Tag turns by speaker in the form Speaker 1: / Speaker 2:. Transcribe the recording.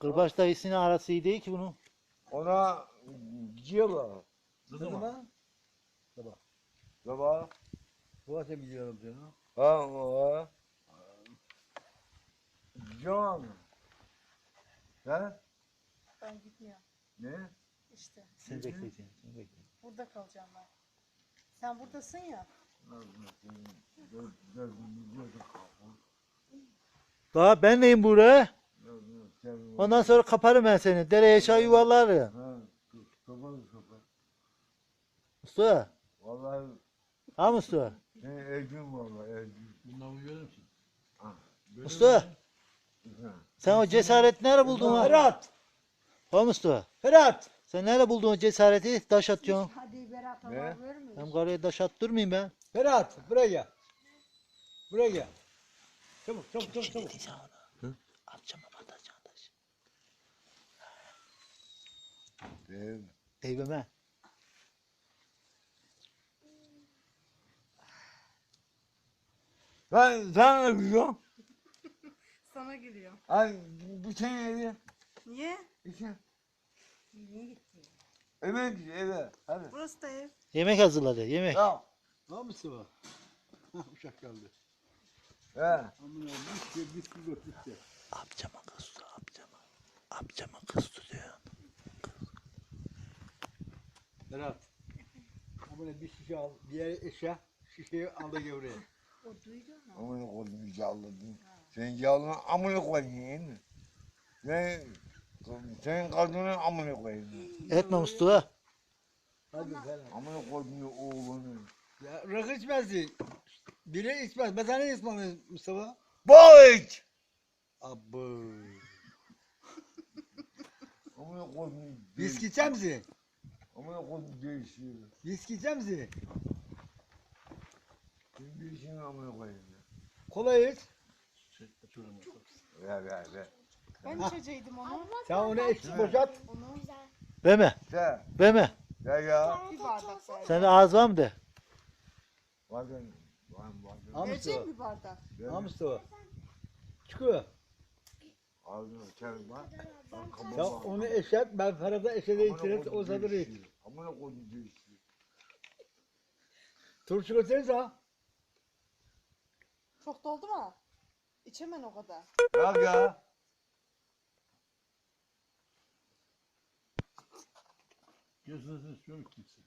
Speaker 1: Kırbaç dayısıyla arası iyi değil ki bunun.
Speaker 2: Ona gidiyorlar.
Speaker 3: Ne zaman? Sabah.
Speaker 2: Baba.
Speaker 3: Bu akşam gidiyorum canım.
Speaker 2: Ha o. John. Ha?
Speaker 4: Ben gitmiyorum.
Speaker 2: Ne?
Speaker 4: İşte
Speaker 1: Seni bekleyeceğim. Seni bekleyeceğim.
Speaker 4: burada kalacağım ben. Sen buradasın ya.
Speaker 1: Daha ben neyim buraya? Ondan sonra kaparım ben seni. Dereye çay yuvarlarım.
Speaker 2: Ha, kapat.
Speaker 1: Mustafa.
Speaker 2: Vallahi
Speaker 1: Ha Mustafa.
Speaker 2: sen Ergün vallahi Ergün.
Speaker 3: Bundan uyuyor musun?
Speaker 1: Mustafa. Sen o cesareti nerede buldun ha?
Speaker 3: Ferhat!
Speaker 1: Ha Mustafa.
Speaker 3: Ferhat!
Speaker 1: Sen nerede buldun o cesareti? Taş atıyorsun.
Speaker 4: Hadi Berat
Speaker 2: Ne?
Speaker 4: haber vermiyor.
Speaker 1: Hem karıya taş attırmayayım ben.
Speaker 3: Ferhat! Buraya gel. Buraya gel. Çabuk.
Speaker 1: Atacağım atacağım taş.
Speaker 2: Değil.
Speaker 1: Eyveme.
Speaker 2: Ben sana yapıyorum.
Speaker 4: Sana geliyor.
Speaker 2: Ay bir tane yedi.
Speaker 4: Niye?
Speaker 2: İki.
Speaker 4: Niye gitti?
Speaker 2: Eve gidiyor eve. Hadi.
Speaker 4: Burası da ev.
Speaker 1: Yemek hazırladı. Yemek.
Speaker 2: Ya.
Speaker 3: Ne Mustafa? Hah uşak geldi.
Speaker 2: He.
Speaker 3: Amına bitti götürdü.
Speaker 1: Amcama kız tut. Amcama kız tutuyor.
Speaker 3: Ferhat. Amına bir şişe al. Diğer eşya şişeyi al da gel buraya.
Speaker 4: O duydu mu?
Speaker 2: Amına koydum yağladın. Sen yağladın amına koyayım. Sen kadının amına koyayım.
Speaker 1: Etme Mustafa.
Speaker 3: Hadi Ferhat.
Speaker 2: Amına koydum oğlunu.
Speaker 3: Ya rakı içmezsin. Biri içmez. Ben sana ne içmem Mustafa?
Speaker 2: Boğaç!
Speaker 3: Abı.
Speaker 2: Amına koydum.
Speaker 3: Viski içer misin?
Speaker 2: Amına koydum değişiyor.
Speaker 3: Viski içer misin?
Speaker 2: Sen bir işin amına koyayım.
Speaker 3: Kola iç.
Speaker 2: Ver.
Speaker 4: Ben içeceydim onu.
Speaker 3: Sen onu eksi boşalt.
Speaker 4: Onu
Speaker 1: Verme.
Speaker 2: Sen.
Speaker 1: Verme.
Speaker 2: Ya.
Speaker 4: bir bardak ver.
Speaker 1: Sende ağız var mı de?
Speaker 2: Bazen.
Speaker 3: Ha
Speaker 4: Vereceğim
Speaker 3: Mustafa.
Speaker 4: bir bardak.
Speaker 3: Ha Mustafa. Çıkıyor.
Speaker 2: Ağzını açarım lan.
Speaker 3: Ya onu eşet, ben Ferhat'a eşede içeriz, o sadır iç.
Speaker 2: Amına koydum değişiyor.
Speaker 3: Turşu götürürüz ha.
Speaker 4: Çok doldu mu? İçemen o kadar.
Speaker 2: Bak ya.
Speaker 3: Gözünüzü istiyorum kimse.